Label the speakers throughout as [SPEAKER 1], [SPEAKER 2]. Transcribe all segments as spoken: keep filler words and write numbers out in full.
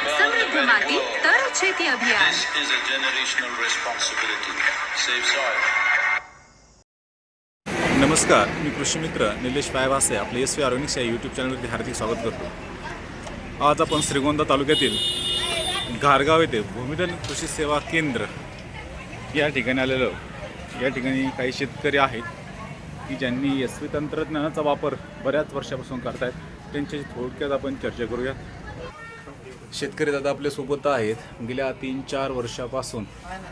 [SPEAKER 1] સમૃદ્ધ માટી તર છેતી અભિયાન.
[SPEAKER 2] This is a generational responsibility. Save soil.
[SPEAKER 3] नमस्कार, मी कृषी मित्र निलेश पायभासे आपले एस व्ही ऑर्गॅनिक्स या यूट्यूब चॅनलवरती हार्दिक स्वागत करतो. आज आपण श्रीगोंदा तालुक्यातील घारगाव येथे भूमिधन कृषी सेवा केंद्र या ठिकाणी आलेलो. या ठिकाणी काही शेतकरी आहेत की ज्यांनी एस व्ही तंत्रज्ञानाचा वापर बऱ्याच वर्षापासून करतायत. त्यांच्याशी थोडक्यात आपण चर्चा करूया. शेतकरी दादा आपल्यासोबत आहेत. गेल्या तीन चार वर्षापासून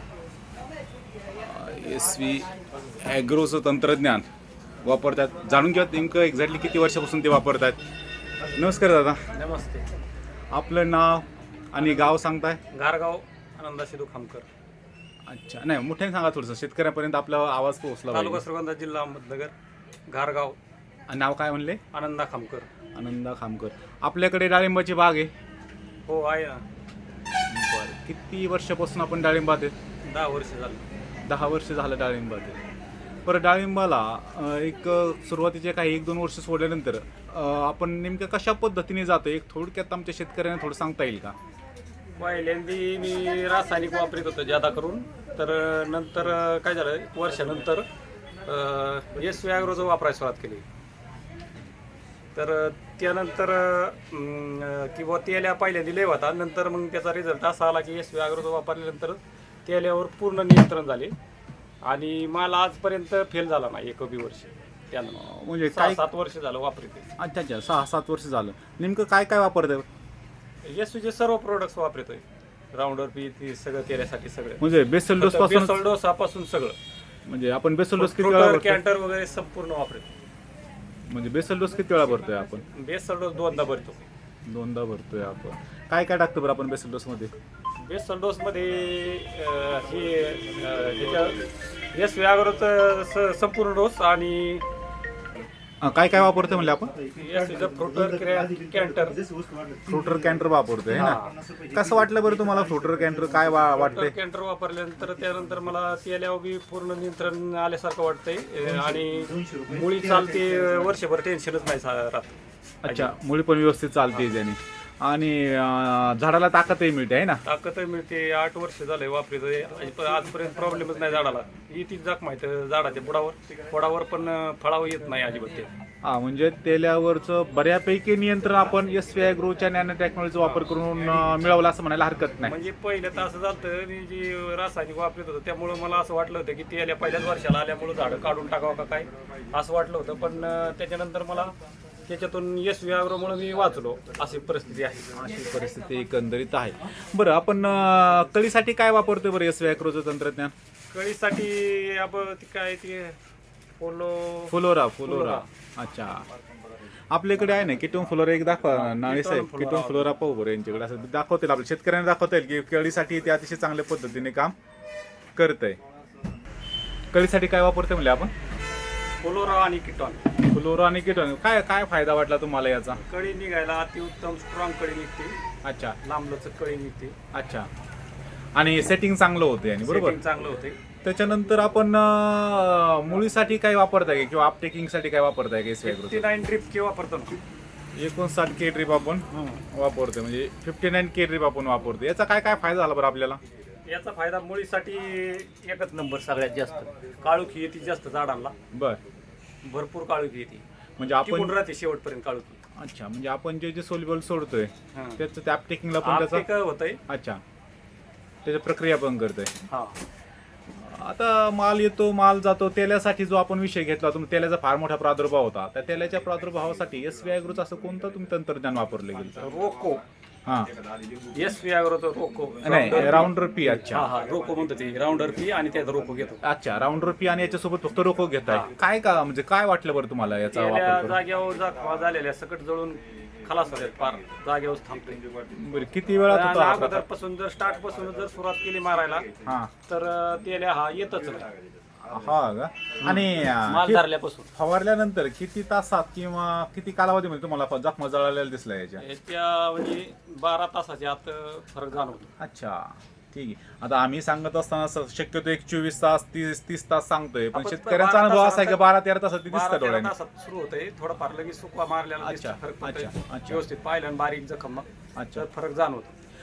[SPEAKER 3] एस व्ही ॲग्रोचं तंत्रज्ञान वापरतात. जाणून घ्या नेमकं एक्झॅक्टली किती वर्षापासून ते वापरतात. नमस्कार दादा.
[SPEAKER 4] नमस्ते.
[SPEAKER 3] आपलं नाव आणि गाव सांगताय?
[SPEAKER 4] घारगाव आनंदा सिद्धू खामकर.
[SPEAKER 3] अच्छा, नाही मोठ्याने सांगा थोडंसं, शेतकऱ्यापर्यंत आपला आवाज पोहोचला
[SPEAKER 4] तालुका
[SPEAKER 3] पाहिजे.
[SPEAKER 4] श्रीगोंदा जिल्हा अहमदनगर. घारगाव.
[SPEAKER 3] नाव काय म्हणले?
[SPEAKER 4] आनंदा खामकर.
[SPEAKER 3] आनंदा खामकर. आपल्याकडे डाळिंबाची बाग आहे?
[SPEAKER 4] हो आहे ना.
[SPEAKER 3] बरं, किती वर्षापासून आपण डाळिंबात आहे?
[SPEAKER 4] दहा वर्ष झालं.
[SPEAKER 3] दहा वर्ष झालं डाळिंबात आहे. बरं, डाळिंबाला अं, एक सुरुवातीचे काही एक दोन वर्ष सोडल्यानंतर अं, आपण नेमकं कशा पद्धतीने जातो एक थोडक्यात आमच्या शेतकऱ्यांना थोडं सांगता येईल का?
[SPEAKER 4] पहिल्यांदी मी रासायनिक वापरत होतो जादा करून. तर नंतर काय झालं, एक वर्षानंतर एस व्ही ॲग्रोचं वापरायला सुरुवात केली. तर त्यानंतर अं, किंवा तेल्या पहिल्यांदा लय होता. नंतर मग त्याचा रिझल्ट असा आला की एस व्ही ॲग्रोचं वापरल्यानंतर तेल्यावर पूर्ण नियंत्रण झाले आणि मला आजपर्यंत फेल झाला नाही एक बी वर्ष. त्यानं
[SPEAKER 3] म्हणजे
[SPEAKER 4] सहा
[SPEAKER 3] काय?
[SPEAKER 4] सात वर्ष झालं वापरते.
[SPEAKER 3] अच्छा अच्छा, सहा सात वर्ष झालं. नेमकं काय काय वापरतं?
[SPEAKER 4] एस व्हीचे सर्व प्रोडक्ट्स वापरतोय. राऊंडर पी ती सगळं तेल्यासाठी सगळं,
[SPEAKER 3] म्हणजे बेसल डोस पासून
[SPEAKER 4] बेसल डोसापासून सगळं,
[SPEAKER 3] म्हणजे आपण बेसल डोस किती वेळा
[SPEAKER 4] फ्रुटर
[SPEAKER 3] भरतो?
[SPEAKER 4] कॅन्टर वगैरे संपूर्ण वापरतो.
[SPEAKER 3] म्हणजे बेसल डोस किती वेळा भरतोय आपण?
[SPEAKER 4] बेसल डोस दोनदा भरतो.
[SPEAKER 3] दोनदा भरतोय आपण. काय काय टाकतो बरं आपण बेसल डोस मध्ये?
[SPEAKER 4] बेसल डोसमध्ये अं, हे अं, ह्याच्या एस व्ही ॲग्रोचं संपूर्ण डोस आणि
[SPEAKER 3] हा, काय काय वापरतोय म्हणले आपण?
[SPEAKER 4] एस व्हीचं फ्रुटर कॅन्टर.
[SPEAKER 3] फ्रुटर कॅन्टर वापरतोय है ना? कसं वाटलं बरं तुम्हाला फ्रुटर कॅन्टर? काय वा- वाटतंय?
[SPEAKER 4] कॅन्टर वापरल्यानंतर त्यानंतर मला तेल्यावर बी पूर्ण नियंत्रण आल्यासारखं वाटतंय. अं, आणि मुळी चालते, वर्षभर टेन्शनच नाही सा- राहत.
[SPEAKER 3] अच्छा, मुळी पण व्यवस्थित चालते त्याने आणि अं, झाडाला ताकदही मिळते आहे ना?
[SPEAKER 4] ताकदही मिळते. आठ वर्ष झाले वापरतोय. आजपर्यंत प्रॉब्लेमच नाही झाडाला. येते जाक माहिती झाडाच्या बुडावर बुडावर पण फळावर येत नाही अजिबात ते.
[SPEAKER 3] हा, म्हणजे तेल्यावरचं बऱ्यापैकी नियंत्रण आपण एस व्ही ॲग्रोच्या नॅनो टेक्नॉलॉजीचा वापर करून अं, मिळवलं असं म्हणायला हरकत नाही.
[SPEAKER 4] म्हणजे पहिलं तर असं झालं, मी जी रासायनिक वापरत होतो त्यामुळं मला असं वाटलं होतं की तेल्या पहिल्याच वर्षाला आल्यामुळं झाडं काढून टाकावं का काय असं वाटलं होतं. पण अं, त्याच्यानंतर मला त्याच्यातून एस व्ही ॲग्रोमुळे मी वाचलो. अशी परिस्थिती आहे.
[SPEAKER 3] अशी परिस्थिती एकंदरीत आहे. बरं, आपण अं, कळीसाठी काय वापरतोय बरं एस व्ही ॲग्रोचं तंत्रज्ञान?
[SPEAKER 4] कळीसाठी आपण ती काय ते फोलो
[SPEAKER 3] फुलोरा फुलोरा अच्छा, आपल्याकडे आहे ना किटोन फ्लोरा. एक दाखवा नाळे साहेब,
[SPEAKER 4] किटोन
[SPEAKER 3] किटोन
[SPEAKER 4] फ्लोरा.
[SPEAKER 3] फ्लोरा पाहू बरं यांच्याकडे. असं दाखवतील आपल्या शेतकऱ्यांना दाखवता येईल की कळीसाठी ते अतिशय चांगल्या पद्धतीने काम करत आहे. कळीसाठी काय वापरतोय म्हणजे आपण?
[SPEAKER 4] फोलोरा आणि किटॉन.
[SPEAKER 3] फ्लोरा आणि किटोन. काय काय फायदा वाटला तुम्हाला याचा?
[SPEAKER 4] कळी निघायला अतिउत्तम स्ट्रॉंग कळी निघते.
[SPEAKER 3] अच्छा
[SPEAKER 4] लांबलचक कळी निघते.
[SPEAKER 3] अच्छा, आणि सेटिंग चांगलं होते आणि बरोबर.
[SPEAKER 4] Setting चांगलं होते.
[SPEAKER 3] त्याच्यानंतर आपण अं, मुळीसाठी काय वापरताय का किंवा अपटेकिंगसाठी काय वापरताय का S V
[SPEAKER 4] fifty nine drip के वापरतो ना.
[SPEAKER 3] एकोणसाठ के ड्रीप आपण वापरतोय, म्हणजे फिफ्टी नाईन के ड्रीप आपण वापरतो. याचा काय काय फायदा झाला बरं आपल्याला?
[SPEAKER 4] याचा फायदा मुळीसाठी एकच नंबर. सगळ्यात जास्त काळुखी येते जास्त झाडांना.
[SPEAKER 3] बर,
[SPEAKER 4] भरपूर काळुखी येते.
[SPEAKER 3] म्हणजे आपण
[SPEAKER 4] टिकून राहते शेवटपर्यंत काळुखी.
[SPEAKER 3] अच्छा, म्हणजे आपण जे जे सोल्युबल सोडतोय
[SPEAKER 4] हा.
[SPEAKER 3] त्याचं त्या अपटेकिंगला पण त्याचा
[SPEAKER 4] आपटे होतंय.
[SPEAKER 3] अच्छा, त्याची प्रक्रिया पण करतोय.
[SPEAKER 4] हा.
[SPEAKER 3] आता माल येतो माल जातो. तेल्यासाठी जो आपण विषय घेतला, तुम्ही तेल्याचा फार मोठा प्रादुर्भाव होता. त्या तेल्याच्या प्रादुर्भावासाठी एस व्ही ॲग्रोचं असं कोणतं तुम्ही तंत्रज्ञान वापरलं गेलं?
[SPEAKER 4] रोको.
[SPEAKER 3] हा,
[SPEAKER 4] एस व्ही ॲग्रोचं रोको.
[SPEAKER 3] नाही राऊंडर पी. अच्छा
[SPEAKER 4] हा हा रोको म्हणतो ते. राऊंडर पी आणि त्याचा रोको घेतो.
[SPEAKER 3] अच्छा, राऊंडर पी आणि याच्यासोबत फक्त रोको घेताय. काय का म्हणजे काय वाटलं बरं तुम्हाला याचा
[SPEAKER 4] तेल्या
[SPEAKER 3] वापर करून?
[SPEAKER 4] जाग्यावर जखमा झालेल्या सकट जळून खलास होतात. पार जागेवर थांबतोय.
[SPEAKER 3] बरं, किती वेळात
[SPEAKER 4] आणि
[SPEAKER 3] होता हा प्रकार?
[SPEAKER 4] अगोदरपासून जर स्टार्ट पासून जर सुरुवात केली मारायला
[SPEAKER 3] हा
[SPEAKER 4] तर तेल्या हा येतच नाही.
[SPEAKER 3] हा का? आणि
[SPEAKER 4] माल
[SPEAKER 3] कि-
[SPEAKER 4] धरल्यापासून
[SPEAKER 3] फवारल्यानंतर किती तासात किंवा किती कालावधीमध्ये तुम्हाला जखमा जळालेला दिसला याच्या?
[SPEAKER 4] त्या म्हणजे बारा तासाच्या आत फरक जाणवतो.
[SPEAKER 3] अच्छा, ठीक आहे. आता आम्ही सांगत असताना स- शक्यतो एक चोवीस तास तीस तीस तास सांगतोय, पण
[SPEAKER 4] आपण
[SPEAKER 3] शेतकऱ्यांचा
[SPEAKER 4] बारा
[SPEAKER 3] अनुभव असा आहे की
[SPEAKER 4] तासात-
[SPEAKER 3] बारा तेरा तासात ती
[SPEAKER 4] बारा
[SPEAKER 3] दिसतात
[SPEAKER 4] तेरा
[SPEAKER 3] डोळ्याने.
[SPEAKER 4] तासात सुरू होतंय. थोडंफार लगेच सुकवा मारल्याला
[SPEAKER 3] अच्छा,
[SPEAKER 4] दिसतं, फरक पडतोय.
[SPEAKER 3] अच्छा, अच्छा.
[SPEAKER 4] व्यवस्थित पाहिलं आणि बारीक जखम
[SPEAKER 3] अच्छा.
[SPEAKER 4] तर फरक जाणवतो.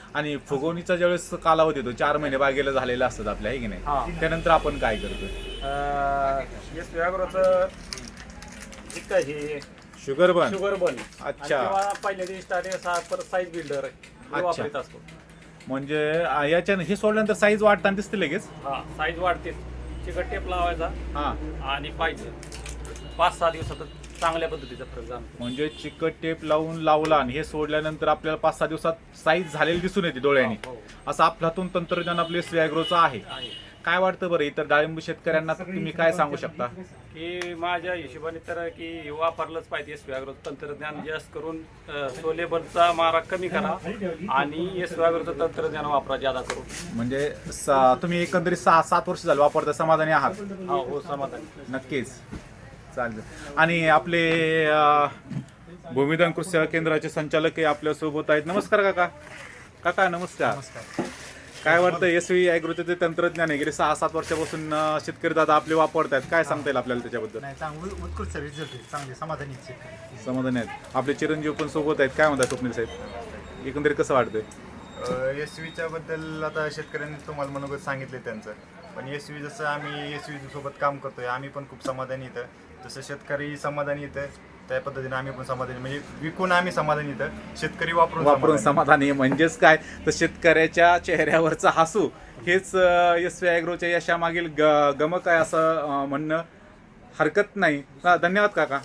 [SPEAKER 3] आणि फुगवणीचा ज्यावेळेस कालावधी येतो चार महिने बागेला झालेला असतात आपल्या, आहे की
[SPEAKER 4] हा.
[SPEAKER 3] नाही? त्यानंतर आपण काय करतो?
[SPEAKER 4] एस व्याग्रोचं काय हे
[SPEAKER 3] शुगर बन.
[SPEAKER 4] शुगर बन.
[SPEAKER 3] अच्छा.
[SPEAKER 4] पहिल्या दिवशी स्टार्टिंग परत साईज बिल्डर वापरत असतो.
[SPEAKER 3] म्हणजे आ, याच्यानं हे सोडल्यानंतर साईज वाढताना दिसते लगेच.
[SPEAKER 4] हा, साईज वाढते. चिकट टेप लावायचा
[SPEAKER 3] हा,
[SPEAKER 4] आणि पाहिजे पाच सहा दिवसात चांगल्या पद्धतीचा फरक जाणतो.
[SPEAKER 3] म्हणजे चिकट टेप लावून लावला आणि हे सोडल्यानंतर आपल्याला पाच सहा दिवसात साईज झालेली दिसून येते डोळ्यांनी.
[SPEAKER 4] हो, हो.
[SPEAKER 3] असं अफलातून तंत्रज्ञान आपले स्वॅग्रोचं आहे.
[SPEAKER 4] आहे.
[SPEAKER 3] काय वाटतं बरं इतर डाळिंब शेतकऱ्यांना तुम्ही काय सांगू शकता?
[SPEAKER 4] की माझ्या हिशोबाने तर की वापरलंच पाहिजे एस व्याग्रो तंत्रज्ञान. जास्त करून सोलेबलचा मारा कमी करा आणि एस व्याग्रोचं तंत्रज्ञान वापरा जादा करून.
[SPEAKER 3] म्हणजे सा- तुम्ही एकंदरीत सहा सात वर्ष झालं वापरता, समाधानी आहात?
[SPEAKER 4] हा, हो, समाधान.
[SPEAKER 3] नक्कीच. चालेल. आणि आपले अं, भूमिदान कृषी सेवा केंद्राचे संचालक हे आपल्या सोबत आहेत. नमस्कार काका. काका नमस्कार. काय वाटतं एस व्ही ॲग्रोचे जे तंत्रज्ञान आहे गेले सहा सात वर्षापासून अं, शेतकरी दादा आपले वापरत आहेत, काय सांगता येईल आपल्याला त्याच्याबद्दल?
[SPEAKER 5] नाही, चांगलं उत्कृष्ट रिझल्ट आहे, चांगले समाधानी आहेत शेतकरी.
[SPEAKER 3] समाधानी आहेत. आपले चिरंजीव पण सोबत आहेत. काय म्हणतात स्वप्नील साहेब, एकंदरीत कसं वाटतंय?
[SPEAKER 6] एस व्हीच्या बद्दल आता शेतकऱ्यांनी तुम्हाला मनोगत सांगितले त्यांचं, पण एस व्ही जसं आम्ही एस व्ही सोबत काम करतोय आम्ही पण खूप समाधानी इथं. जसं शेतकरी समाधानी इथं त्या पद्धतीने आम्ही पण समाधानी, म्हणजे विकून आम्ही समाधानी इथं, शेतकरी वापरून
[SPEAKER 3] वापरून
[SPEAKER 6] समाधानी.
[SPEAKER 3] समाधानी. म्हणजेच काय तर शेतकऱ्याच्या चेहऱ्यावरचा हसू हेच एस व्ही ॲग्रोच्या यशामागील ग गमक आहे असं अं, म्हणणं हरकत नाही. हा, धन्यवाद काका.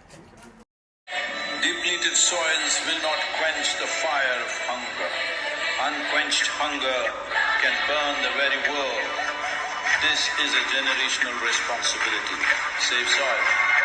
[SPEAKER 2] Depleted soils will not quench the fire of hunger. Unquenched hunger can burn the very world. This is a generational responsibility. Save soil.